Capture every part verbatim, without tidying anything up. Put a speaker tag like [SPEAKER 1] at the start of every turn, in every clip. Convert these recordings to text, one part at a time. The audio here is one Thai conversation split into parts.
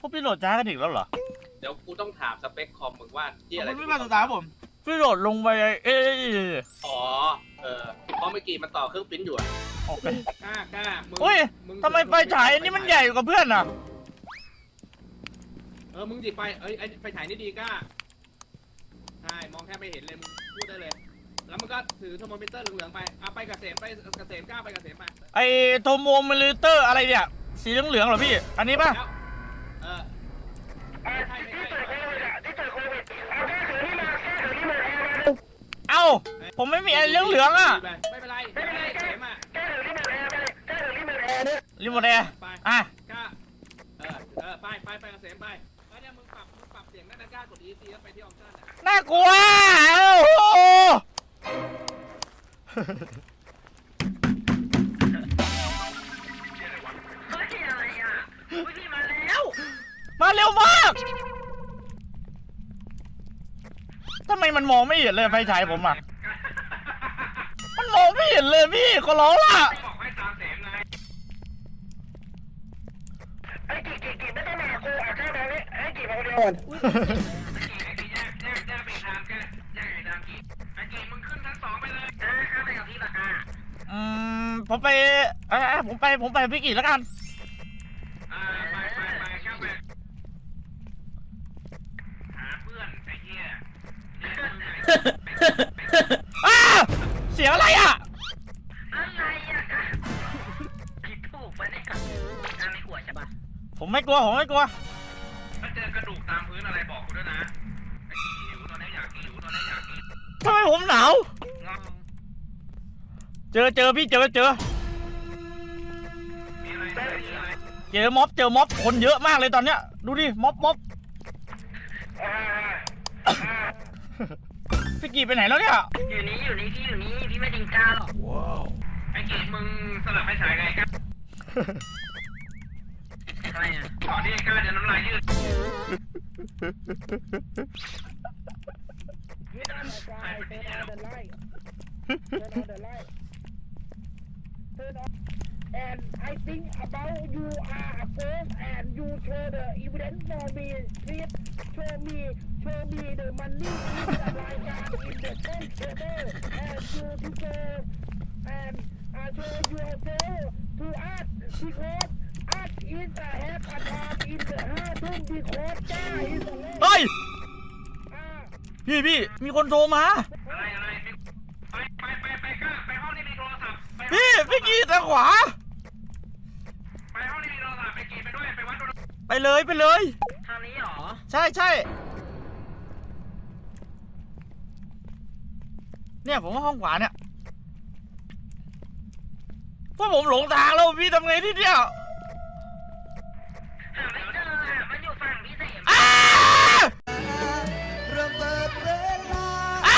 [SPEAKER 1] พวกพี่โหลดช้ากันอีกแล้วเหรอ
[SPEAKER 2] เดี๋ยวกูต้องถามสเปคคอมมึงว่าที่อะไร
[SPEAKER 1] ไม่มาสตาร์ผมพี่โหลดลงไปเอ๊ะ
[SPEAKER 2] อ๋อเออเพราะเมื่อกี้มันต่อเครื่องปริ้นอยู่อะ
[SPEAKER 1] โอเค
[SPEAKER 2] กล้ากล้ามึง
[SPEAKER 1] อุ้ยทำไมไฟฉายอันนี้มันใหญ่กว่าเพื่อนอ่ะ
[SPEAKER 2] เออมึงดิไปเอ้ยไอไฟฉายนี่ดีกล้าใช่มองแค่ไม่เห็นเลยมึงพูดได้เลยแล้วมันก็ถือโทรโมมิเตอร์เหลืองๆไปเอาไปกระเสมไปกระเสมกล้าไปกระเสมไป
[SPEAKER 1] ไอโทรโมมิเตอร์อะไรเนี่ยสีเหลืองๆเหรอพี่อันนี้ป่ะ
[SPEAKER 2] เออไม่ใช่ไม่ใช่ที่เกิดโควิดเอาแค่ถือนี่มาแค่ถือนี่มา
[SPEAKER 1] เอ้าผมไม่มีไอเหลืองๆอ่ะ
[SPEAKER 2] ไม่เป็นไรไม่เป็นไรเสมอ่ะ
[SPEAKER 3] แค่ถือนี่มาแอร์ไปแค่ถือนี่มาแอร์เนี่ย
[SPEAKER 1] รีโมทแอร์อ่ะ
[SPEAKER 2] กล้าเออเออไปไปไปกระเสมไปแล้วเนี่ยมึงปรับมึงปรับเสียงได้นะกล้ากด อี ซี แล้วไปที่ออปชั่นอ่ะ
[SPEAKER 1] น่ากลัวโอ้โห
[SPEAKER 3] เฮ้ยอะไรอ่ะวิ่งมาแล้ว
[SPEAKER 1] มาเร็วมากทำไมมันมองไม่เห็นเลยไฟฉายผมอ่ะมันมองไม่เห็นเลยพี่ขอร้องล่ะ
[SPEAKER 2] บอกให้ตามเสียงไง
[SPEAKER 3] ไอ้กี่กี่กี่ไม่ต้องมากูเอาแค่ตรงนี้ไอ้กี่มาคนเดียวก่อน
[SPEAKER 2] ไอ้กี่แยกแยกแยกไปทางแกแยกไปทางกี่ไอ้กี่มึงขึ้นชั้นสองไปเลย
[SPEAKER 3] เออข้าไปกับพี่ปากกา
[SPEAKER 1] อืมผมไปเออผมไปผมไปพี่กี่แล้วกัน
[SPEAKER 2] อ่าไปไปไปข้าไปหาเพื่อนไอ้เหี้ย
[SPEAKER 1] อ้าเสียงอะไรอ่ะ
[SPEAKER 3] อะไรอ่ะผิดถูกไปเนี่ยกาไม่กลัวใช่ปะ
[SPEAKER 1] ผมไม่กลัวผมไม่กลัว
[SPEAKER 2] ถ้าเจอกระดูกตามพื้นอะไรบอกกูด้วยนะไอ้กี่หิวตอนนี้อยากกินหิวตอนนี้อยากกิน
[SPEAKER 1] ทำไมผมหนาวเจอเจอพี่เจอเจอ
[SPEAKER 2] มีอะไรมีอะไร
[SPEAKER 1] เจอม็อบเจอม็อบคนเยอะมากเลยตอนเนี้ยดูดิม็อบม็อบพี่กี่ไปไหนแล้วเนี่ย
[SPEAKER 3] อยู่นี่อยู่นี่พี่อยู่นี่พี่ไม่ดิงกาหรอก
[SPEAKER 1] ว้าว
[SPEAKER 2] ไอ้กี่มึงสลับไปฉายไงกัน
[SPEAKER 3] อะไรอ่ะ
[SPEAKER 2] ขอที่ไอ้ก้าจะน้ำลายยืด
[SPEAKER 3] And I think about you are a ghost and you show the evidence for me. Please show me, show me the money in the raikan in the bank table and you to go and uh, show yourself to us because us is a have a time in the heart because God is the Lord.
[SPEAKER 1] เฮ้ยพี่พี่มีคนโทรมา
[SPEAKER 2] อะไรอะไรไปไปไปไปก้าไปห้องที่มีโทรศัพท์
[SPEAKER 1] พี่พี่กี่ทางขวา
[SPEAKER 2] ไปห้องที่มีโทรศัพท์ไปกี่ไปด้วยไปวัด
[SPEAKER 1] ไปเลยไปเลย
[SPEAKER 3] ทางนี้หรอ
[SPEAKER 1] ใช่ใช่เนี่ยผมว่าห้องขวาเนี่ยพวกผมหลงทางแล้วพี่ทำไงที่เนี่ย
[SPEAKER 3] หาไม่เจอมันอยู่ฝั่งพี่เสม
[SPEAKER 1] ระเบิดเวลา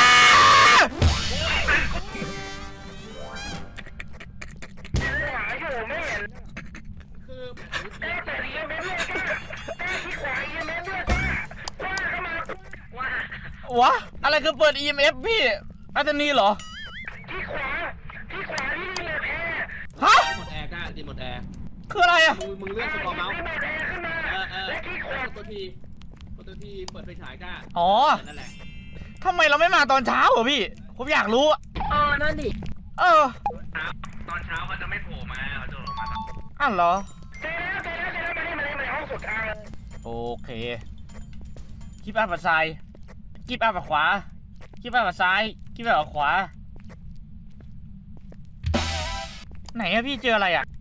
[SPEAKER 3] หาอยู่ไม่เห็น
[SPEAKER 2] คือ
[SPEAKER 3] แต่แต่เรียนไม่เรียนก็แต่ที่ขวาเรียนไม่เรียนก็ว่าเข้ามาว่
[SPEAKER 1] าวะอะไรคือเปิด อี เอ็ม เอฟ พี่อาจารย์นี่เหรอ
[SPEAKER 3] ที่ขวาที่ขวาที่รีโมทแอร์
[SPEAKER 1] ฮะ
[SPEAKER 2] รีโมทแอร์ก้ารีโมทแอร์
[SPEAKER 1] คืออะไรอ่ะ
[SPEAKER 2] มึงมึงเลื่อนสกอร์เมาส์
[SPEAKER 3] รีโมทแอร์ขึ้นมา
[SPEAKER 2] เออเออตัวทีตัวทีเปิดไฟฉายก้า
[SPEAKER 1] อ๋อ
[SPEAKER 2] นั่นแหละ
[SPEAKER 1] ทำไมเราไม่มาตอนเช้าเหรอพี่ผมอยากรู้
[SPEAKER 3] อ๋อนั่นดิ
[SPEAKER 1] เออ
[SPEAKER 2] ตอนเช้าเขาจะไม่โผล่มาเขาจะลงมา
[SPEAKER 1] อ้าวเหรอ
[SPEAKER 3] เจอแล้วเจอแล้วเจอแล้วมาที่มาที่มาห้องสุดท้าย
[SPEAKER 1] โอเคคลิปอัพกับซ้ายคลิปอัพกับขวาคลิปอัพกับซ้ายคลิปอัพกับขวาไหนอะพี่เจออะไรอะ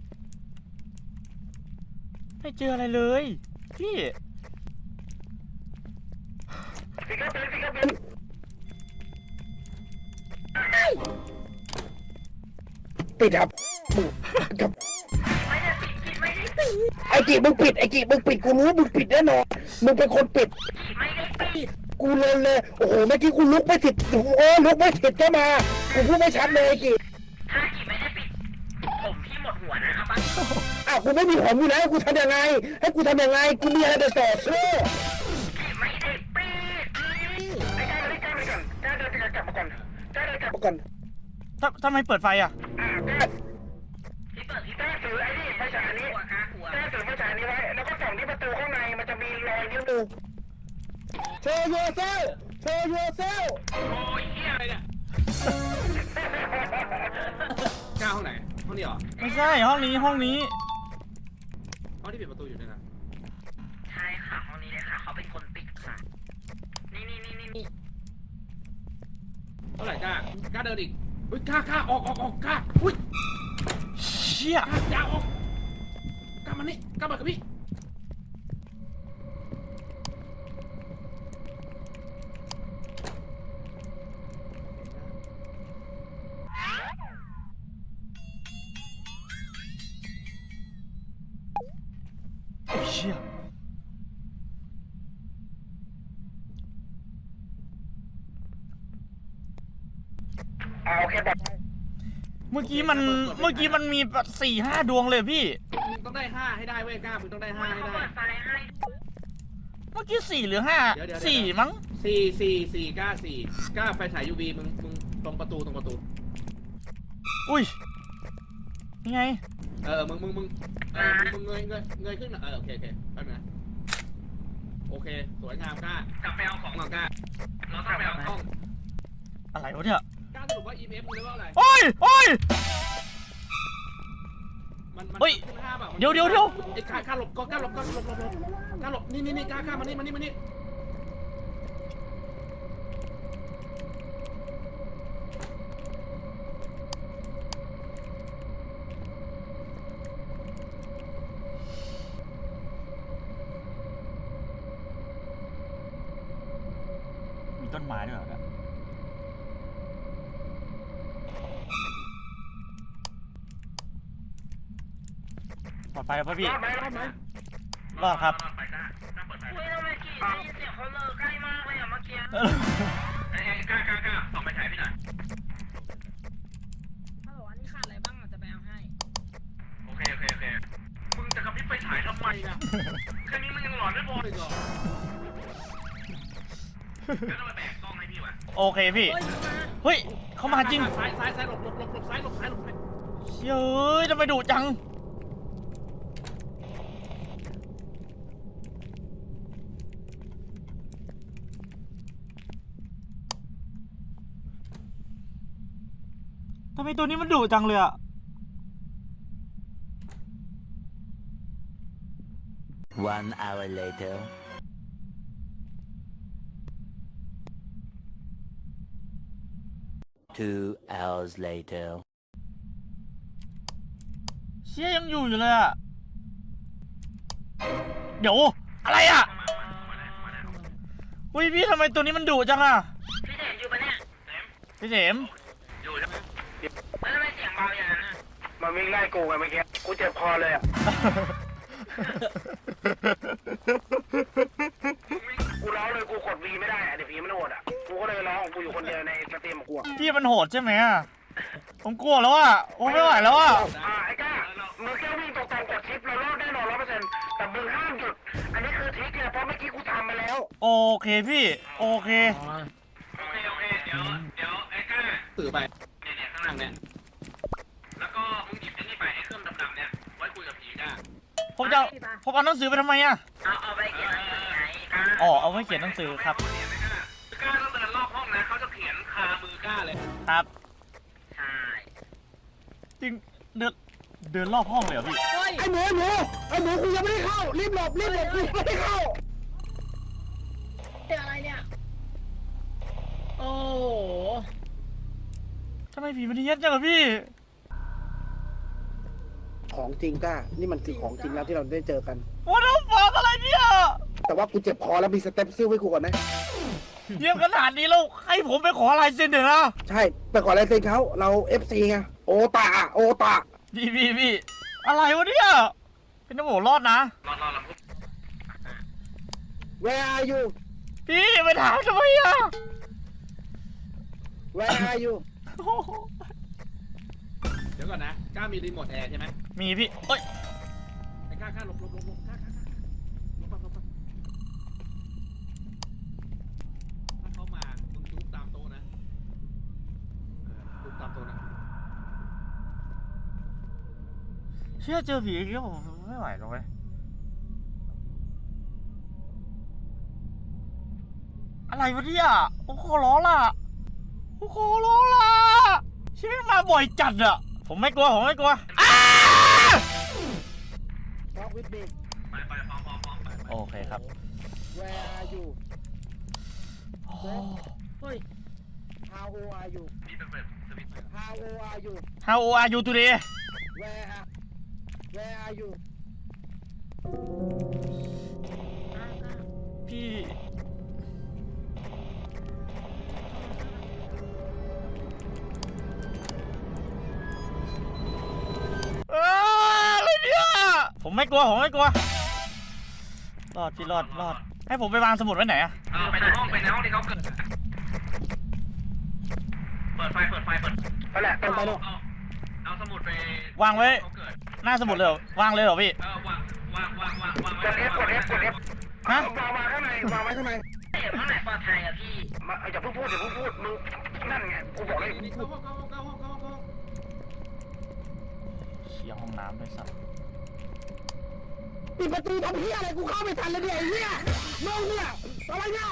[SPEAKER 1] ไม่เจออะไรเลยพี่
[SPEAKER 3] ฟิกเกอร์เป็นฟิกเกอร์เป็นปิดครับกับไม่ได้ปิดปิดไม่ได้ปิดไอ้กีมึงปิดไอ้กีมึงปิดกูรู้มึงปิดแน่นอนมึงเป็นคนปิดไม่ได้ปิดกูเลยเลยโอ้โหเมื่อกี้กูลุกไม่ติดโอ้ลุกไม่ติดก็มากูพูดไม่ชัดเลยไอ้กีถ้ากีไม่ได้ปิดผมพี่หมดหัวนะครับอ้าวกูไม่มีผมอยู่แล้วกูทำยังไงให้กูทำยังไงกูมีอะไรจะต่อสู้ไม่ได้ปิดไอ้ก้าไอ้ก้าไปก่อนก้าเดินไปกลับมาก่อนก้าเดินกลับมาก่อน
[SPEAKER 1] ทำไมเปิดไฟอ่ะ
[SPEAKER 3] ที่เปิดที่แต้ถือไอ้นี่ไฟฉายนี้แต้ถือไฟฉายนี้ไว้แล้วก็ส่องที่ประตูข้างในนิ้วมือโชว์ยูเซลโชว์ยูเซล
[SPEAKER 2] โอ้ยเฮียอะไรเนี่ยกล้าห้องไหนห้องนี้เหรอ
[SPEAKER 1] ไม่ใช่ห้องนี้ห้องนี้
[SPEAKER 2] ห้องที่ปิดประตูอยู่เนี่ยนะ
[SPEAKER 4] ใช่ค่ะห้องนี้เลยค่ะเขาเป็นคนปิดค่ะ นี่นี่นี่นี่นี่
[SPEAKER 2] เท่าไหร่กล้ากล้าเดินอีกอุ้ยกล้ากล้าออกออกออกกล้าอุ้ย
[SPEAKER 1] เชี่ย
[SPEAKER 2] กล้าอย่าออกกล้ามันนี่กล้ามากับพี่
[SPEAKER 1] เชี่ย
[SPEAKER 3] เอาแค่แบบ
[SPEAKER 1] เมื่อกี้มันเมื่อกี้มันมีสี่ห้าดวงเลยพี่
[SPEAKER 2] มึงต้องได้ห้าให้ได้เว้ยกล้ามึงต้องได้ห้าให้
[SPEAKER 4] เขา
[SPEAKER 2] ได้
[SPEAKER 4] เปิดไฟให้
[SPEAKER 1] เมื่อกี้สี่หรือห้า
[SPEAKER 2] เดี๋ยวเดี๋ยว
[SPEAKER 1] สี่มั้ง
[SPEAKER 2] สี่สี่สี่กล้าสี่กล้าไฟฉายยูวีมึงมึงตรงประตูตรงประตู
[SPEAKER 1] อุ้ยยังไง
[SPEAKER 2] เออมึงมึงมึงเออมึงมึงเงยเงยเงยขึ้นหน่อยเออโอเคโอเคแป๊บนึงนะโอเคสวยงามกล้ากลับไปเอาของหน่อยกล้าเราต้องไปเอากล้อง
[SPEAKER 1] อะไรวะเนี่ย
[SPEAKER 2] กล้าสรุปว่า อี เอ็ม เอฟ มึงเรียกว่าอะไร
[SPEAKER 1] โอ้ยโอ้ย
[SPEAKER 2] มันมัน
[SPEAKER 1] เฮ้ย
[SPEAKER 2] ขึ้นห้าแบบ
[SPEAKER 1] เดี๋ยวเดี๋ยวเดี๋ยว
[SPEAKER 2] ไอ้กล้ากล้าหลบก็กล้าหลบกล้าหลบหลบหลบกล้าหลบนี่นี่นี่กล้ากล้ามานี่มานี่มานี่
[SPEAKER 1] มีต้นไม้ด้วยเหรอเนี่ยปลอดภัยครับพี่
[SPEAKER 3] รอดไหมรอดไหม
[SPEAKER 1] รอดครับ
[SPEAKER 4] อุ้ยทำไมกี่ได้ยินเสียงเขาเลอใกล้มากเลยอะเมื่อกี้
[SPEAKER 2] ไอ้กล้ากล้ากล้าส่องไปถ่ายพี่หน่อย
[SPEAKER 4] ฮัลโหลอันนี้ขาดอะไรบ้างอ่ะจะไปเอาให้
[SPEAKER 2] โอเคโอเคโอเคมึงจะกระพริบไฟฉายทำไมนะแค่นี้มึงยังหลอนไม่พออีกเหรอแล้วต้องไปแบกกล้องให้พี่วะ
[SPEAKER 1] โอเคพี่
[SPEAKER 4] เฮ้ยมา
[SPEAKER 1] เฮ้ย เขามาจริง
[SPEAKER 2] ซ้ายซ้ายซ้ายหลบหลบหลบหลบซ้ายหลบซ้ายหลบซ้าย
[SPEAKER 1] เชี่ยเอ้ยทำไมดุจัง ทำไมตัวนี้มันดุจังเลยอะ
[SPEAKER 5] One hour later. Two hours later.
[SPEAKER 1] เชี่ยยังอยู่อยู่เลยอะเดี๋ยว อะไรอะอุ้ยพี่ทำไมตัวนี้มันดุจังอะ
[SPEAKER 4] พี่เห็นอยู่ปะเนี่ย
[SPEAKER 1] พี่เสม
[SPEAKER 2] อยู่ใช่ไหม
[SPEAKER 4] แล้วทำไมเสียงเบาอย่างนั้นอ่ะ
[SPEAKER 3] มันวิ่งไล่กูไงเมื่อกี้กูเจ็บคอเลยอ่ะกูร้องเลยกูกดวีไม่ได้อะเดี๋ยวผีมันโหดอ่ะกูก็เลยร้องของกูอยู่คนเดียวในสตรีมของกูอะ
[SPEAKER 1] พี่มันโหดใช่ไหมอะผมกลัวแล้วอะโอ้ไม่ไหวแล้วอะ
[SPEAKER 3] อ่าไอ้ก้ามึงแค่วิ่งตรงๆกดชิปเรารอดแน่นอนร้อยเปอร์เซ็นต์แต่มึงห้ามหยุดอันนี้คือทริคเลยเพราะเมื่อกี้กูทำมาแล้ว
[SPEAKER 1] โอเคพี่ โอเค
[SPEAKER 2] โอเคโอเคเดี๋ยวเดี๋ยวไอ้ก้าสื่อไปเนี่ยเนี่ยข้างหลังเนี่ยแล้วก็มึงหยิบไอ้นี่ไปไอ้เครื่องดำๆเนี่ยไว้คุยกับผีก้า
[SPEAKER 1] ผมจะผมเอาหนังสือไปทำไมอะ
[SPEAKER 4] เอาเอาไปเขียนหนังสือไงกล้า
[SPEAKER 1] อ๋อ เอาไว้เขียนหนังสือครับ
[SPEAKER 2] ก้าต้องเดินรอบห้องนะเขาจะเขียนคามือก้าเลย
[SPEAKER 1] ครับ
[SPEAKER 4] ใช่
[SPEAKER 1] จริง เดิน เดินรอบห้องเลยเหรอพี่
[SPEAKER 4] เฮ้ย
[SPEAKER 3] ไอ้หมูหมูไอ้หมูกูยังไม่ได้เข้ารีบหลบรีบหลบกูยังไม่ได้เข้า
[SPEAKER 4] เจออะไรเนี่ยโอ้โห
[SPEAKER 1] ทำไมผีมันเฮี้ยนจังอะพี่
[SPEAKER 3] ของจริงก้านี่มันคือของจริงแล้วที่เราได้เจอกัน
[SPEAKER 1] What the fuck อะไรเนี่ย
[SPEAKER 3] แต่ว่ากูเจ็บคอแล้วมีสเต็ปซิ่วให้กูก่อนนะ
[SPEAKER 1] เยี่ยมขนาดนี้แล้วให้ผมไปขอลายเซ็นเดี๋ยวนะ
[SPEAKER 3] ใช่ไปขอลายเซ็นเขาเรา เอฟ ซี ไงโอตาโอตา
[SPEAKER 1] พี่พี่พี่อะไรวะเนี่ยเป็นน้ำหมูรอดนะ
[SPEAKER 2] รอรอรอ
[SPEAKER 3] Where are you
[SPEAKER 1] พี่ไปถามทำไมอะ
[SPEAKER 3] Where are you
[SPEAKER 1] โอ้โห
[SPEAKER 2] เดี๋ยวก่อนนะก้ามีรีโมทแอร์ใช่ไหม
[SPEAKER 1] มีพี่เอ้ย
[SPEAKER 2] ไอ้ก้าก้าหลบหลบหลบหลบก้าก้าก้าหลบก่อนหลบก่อนถ้าเขามามึงจุ๊บตามโต๊ะนะจุ๊บตามโต๊ะนะ
[SPEAKER 1] เชื่อเจอผีอีกแล้วผมไม่ไหวแล้วเว้ยอะไรวะเนี่ยโอ้โหล้อล่ะโอ้โหล้อล่ะชีวิตมาบ่อยจัดอะผมไม่กลัวผมไม่กลัวอ้า
[SPEAKER 3] Walk with me
[SPEAKER 2] ไปไปพร้อมพร้อมพร้อมไป
[SPEAKER 1] โอเคครับ
[SPEAKER 3] Where are you
[SPEAKER 1] โอ้
[SPEAKER 4] เฮ้ย
[SPEAKER 3] How old are you
[SPEAKER 2] นี่เป็นแบบสวิตช์
[SPEAKER 3] How old are you
[SPEAKER 1] How old are you today
[SPEAKER 3] Where are Where are you
[SPEAKER 1] พี่เอ้ยอะไรเนี่ยผมไม่กลัวผมไม่กลัวรอดพี่รอดรอดให้ผมไปวางสมุดไว้ไหนอะ
[SPEAKER 2] เออไปในห้องไปในห้องที่เขาเกิดเปิดไฟเปิดไฟเปิด
[SPEAKER 3] ไปแหละไปไปเนาะ
[SPEAKER 2] เอาเอาสมุดไป
[SPEAKER 1] วางไว้
[SPEAKER 2] เขาเกิด
[SPEAKER 1] หน้าสมุดเลยเหรอวางเลยเหรอพี่
[SPEAKER 2] เออวางวางวางวางวาง
[SPEAKER 3] กด F กด F กด F
[SPEAKER 1] ฮะ
[SPEAKER 3] วางมาข้างในวางไว้ข้างใน
[SPEAKER 2] ข้างไหนปลอดภัยอะพี่
[SPEAKER 3] มาอย่าเพิ่งพูดอย่าเพิ่งพูดมึงนั่นไงกูบอกเลย
[SPEAKER 2] นี่เข้าห้องเข้าห้องเข้าห้องเข้าห้องเข้าห้อง
[SPEAKER 1] เชี่ยห้องน้ำด้วยสัตว์
[SPEAKER 3] ปิดประตูทำเหี้ยอะไรกูเข้าไม่ทันเลยเนี่ยไอ้เหี้ยน้องเนี่ยอะไรเนี่ย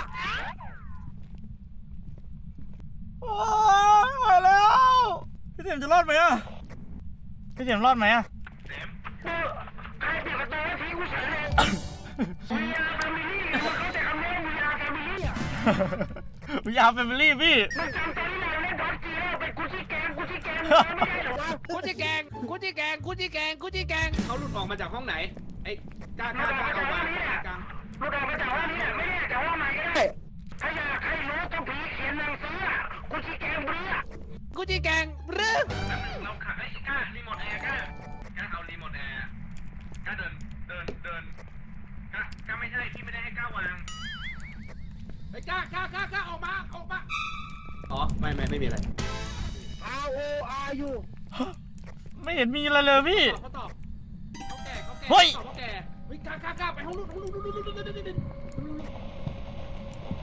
[SPEAKER 1] โอ้ยไม่ไหวแล้วพี่เสียมจะรอดไหมอะพี่เสียมรอดไหมอะ
[SPEAKER 2] เต็ม
[SPEAKER 3] ใครปิดประตูให้ทิ้งกูเฉยเลย วี อาร์ Family มันเข้าใจคำนี้ วี อาร์ Family อ่ะ
[SPEAKER 1] วิยาแฟมิลี่พี่
[SPEAKER 3] มันจำตอนที่เราเล่นพับจีแล้วเป็นกุชชี่แกงกุชชี่แกงไม่ได้เหรอวะ
[SPEAKER 2] กุจิแกงกุจิแกงกุจิแกงกุจิแกงเขาหลุดออกมาจากห้องไหนไอ้กล้ากล้ากล้าเอามากลาง
[SPEAKER 3] เราออกมาจากห้องนี้ไม่ได้แต่ว่าใหม่ก็ได้ถ้าอยากให้รู้ต้องผีเขียนหนังสืออ่ะกุชชี่แกงเบื่อ
[SPEAKER 2] กุจิแกงหรือเราขับไอ้กล้ารีโมทแอร์กล้ากล้าเอารีโมทแอร์กล้าเดินเดินเดินกล้ากล้าไม่ใช่พี่ไม่ได้ให้กล้าวางไอ้กล้ากล้ากล้ากล้าออกมาออกมาอ๋อไม่ไม่ไม่มีอะไร
[SPEAKER 3] How old are you
[SPEAKER 1] ไม่เห็นมีอะไรเลยพี่
[SPEAKER 2] เขาตอบเขาแก่เขาแก่
[SPEAKER 1] เฮ้ย
[SPEAKER 2] ตอบเขาแก่เฮ้ยกล้ากล้ากล้าไปห้องนู้นห้องนู้นห้องนู้นห้องนู้นห้องนู้นห้องนู้น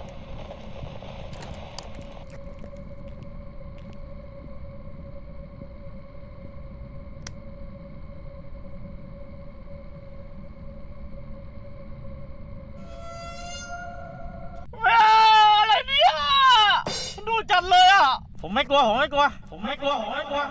[SPEAKER 1] แม่อะไรเนี่ยมันดูจัดเลยอ่ะ ผมไม่กลัว ผมไม่กลัว ผมไม่กลัว ผมไม่กลัว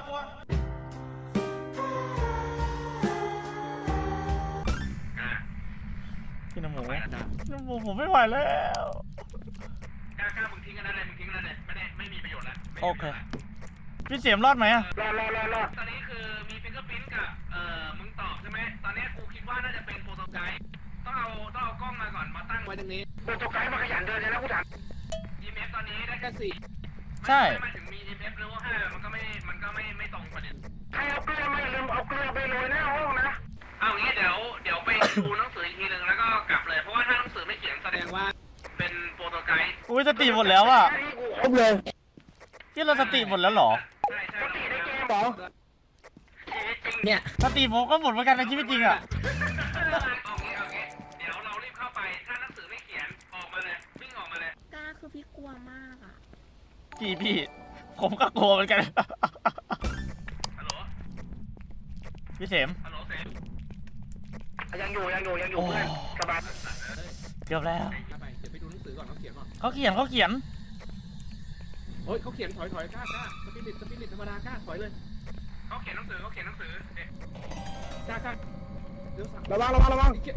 [SPEAKER 1] พี่น้ำหมูน้ำหมูผมไม่ไหวแล้ว
[SPEAKER 2] กล้ากล้ามึงทิ้งกันนั่นเลยมึงทิ้งกันนั่นเลยไม่ได้ไม่มีประโยชน์แล้ว
[SPEAKER 1] โอเค พี่เสียมรอดไหมอะ
[SPEAKER 3] รอรอรอรอ
[SPEAKER 2] ตอนนี้คือมีฟิงเกอร์พิ้นกับเอ่อมึงตอบใช่ไหมตอนนี้กูคิดว่าน่าจะเป็นโฟโตไกด์ต้องเอาต้องเอากล้องมาก่อนมาตั้งไว้ตรงนี้
[SPEAKER 3] โปรโตไกด์มาขยันเดินเลยนะกูถาม
[SPEAKER 2] อี เอ็ม เอฟ ตอนนี้ได้แค่สี่
[SPEAKER 1] ใช่
[SPEAKER 2] ไม่ถึงมี อี เอ็ม เอฟ หรือว่าห้ามันก็ไม่มันก็ไม่ไม่ตรงประเด็น
[SPEAKER 3] ใครเอาเกลือมาอย่าลืมเอาเกลือไปโรยหน้าห้องนะ
[SPEAKER 2] เอางี้เดี๋ยวเดี๋ยวไปดูหนังสืออีกทีหนึ่งแล้วก็กลับเลยเพราะว่าถ้าหนังสือไม่เขียนแสดงว่าเป็นโฟโตไกด์
[SPEAKER 1] อุ้ยสติหมดแล้วอ่ะ
[SPEAKER 3] ครบเลย
[SPEAKER 1] พี่เราสติหมดแล้วเหรอ
[SPEAKER 2] ใช่ใช่
[SPEAKER 3] สติในเกมเหรอ
[SPEAKER 4] เนี่ย
[SPEAKER 1] สติผมก็หมดเหมือนกันในชีวิตจริงอ่ะ
[SPEAKER 2] เอางี้เอางี้เดี๋ยวเรารีบเข้าไปถ้าหนังสือไม่เขียนออกมาเลยวิ่งออกมาเลย
[SPEAKER 4] กล้าคือพี่กลัวมากอ่ะ
[SPEAKER 1] พี่พี่ ผมก็กลัวเหมือนกัน
[SPEAKER 2] ฮัลโหล
[SPEAKER 1] พี่เสม
[SPEAKER 2] ฮัลโหลเซม
[SPEAKER 3] ยังอยู่ยังอยู่ยังอยู่เพื่อนสบาย
[SPEAKER 1] เกือบแล้ว
[SPEAKER 2] ไปเดี๋ยวไปดูหนังสือก่อนเขาเขียนก่อน
[SPEAKER 1] เขาเขียนเขาเขียน
[SPEAKER 2] เฮ้ยเขาเขียนถอยถอยกล้ากล้าสปิริตสปิริตธรรมดากล้าถอยเลยเขาเขียนหนังสือเขาเขียนหนังสือเอ๊ะกล้ากล้าเดี๋ยวสั่ง
[SPEAKER 3] ระวังระวังระวัง
[SPEAKER 2] เขียน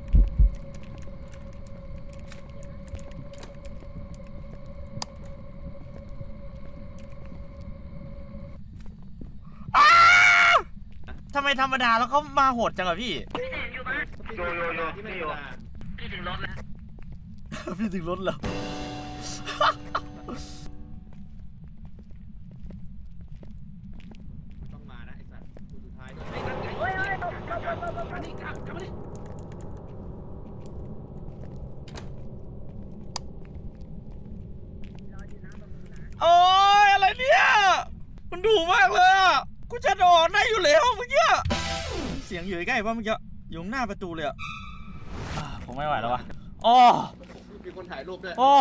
[SPEAKER 1] ทำไมธรรมดาแล้วเขามาโหดจังอะพี่
[SPEAKER 3] โยโยโย
[SPEAKER 2] ที่ไม่
[SPEAKER 3] ไม่
[SPEAKER 2] ธร
[SPEAKER 3] โย
[SPEAKER 2] รมดาพี่ถึงรถแล้ว
[SPEAKER 1] พี่ถึงรถแล้ว
[SPEAKER 2] ต้องมานะไอ้สัตว์ตัวสุดท้ายด้วยไอ้นั่นไงเฮ้ยเฮ้ยกลับกลับกลับกลับมานี่กลับกลับมานี่
[SPEAKER 1] โอ้ยอะไรเนี่ย มันดุมากเลยอ่ะ กูจะนอนได้อยู่แล้วเมื่อกี้ เสียงอยู่ใกล้ป่ะเมื่อกี้อยู่หน้าประตูเลยอ่ะอ่าผมไม่ไหวแล้ววะโอ้
[SPEAKER 2] มีคนถ่ายรูปด้วย
[SPEAKER 1] โอ้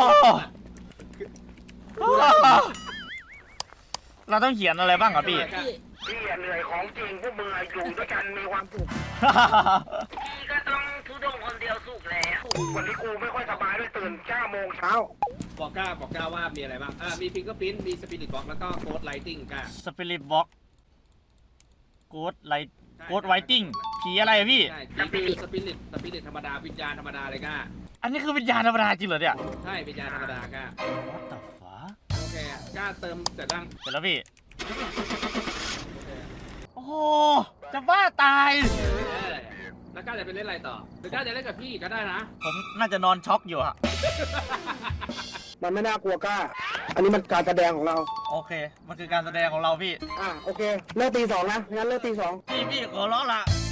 [SPEAKER 1] เราต้องเขียนอะไรบ้างอ่ะพี่
[SPEAKER 4] พี่
[SPEAKER 3] พี่เหนื่อยของจริงพวกมึงอยู่ด้วยกันมีความสุข
[SPEAKER 2] พี่ก็ต้องทุดงคนเดียวสุกแล้ว
[SPEAKER 3] วันนี้กูไม่ค่อยสบายด้วยตื่นเก้าโมงเช้า
[SPEAKER 2] บอกกล้าบอกกล้าว่ามีอะไรบ้างอ่ามีฟิงเกอร์พิ้นมีสปิริตบ็อกแล้วก็โค้ดไลติ้งกล้า
[SPEAKER 1] สปิริตบ็อกโกดไลท์โกดไวติ้งผีอะไรอะพี่
[SPEAKER 2] ใช่นี่คือสปิริตสปิริตธรรมดาวิญญาณธรรมดาเลยกล้า
[SPEAKER 1] อันนี้คือวิญญาณธรรมดาจริงเหรอเนี่ย
[SPEAKER 2] ใช่วิญญาณธรรมดากล้า
[SPEAKER 1] What the fuck
[SPEAKER 2] โอเคกล้าเติมเสร็จยัง
[SPEAKER 1] เสร็จแล้วพี่ โอ้โห จะบ้าตาย
[SPEAKER 2] เออแล้วกล้าจะไปเล่นอะไรต่อหรือกล้าจะเล่นกับพี่ก็ได้นะ
[SPEAKER 1] ผมน่าจะนอนช็อกอยู่อะ
[SPEAKER 3] มันไม่น่ากลัวกล้า อันนี้มันการแสดงของเรา
[SPEAKER 1] โอเค มันคือการแสดงของเราพี่
[SPEAKER 3] อ่ะโอเคเลิกตีสองนะงั้นเลิกตีสอง
[SPEAKER 1] พี่พี่ขอร้องละ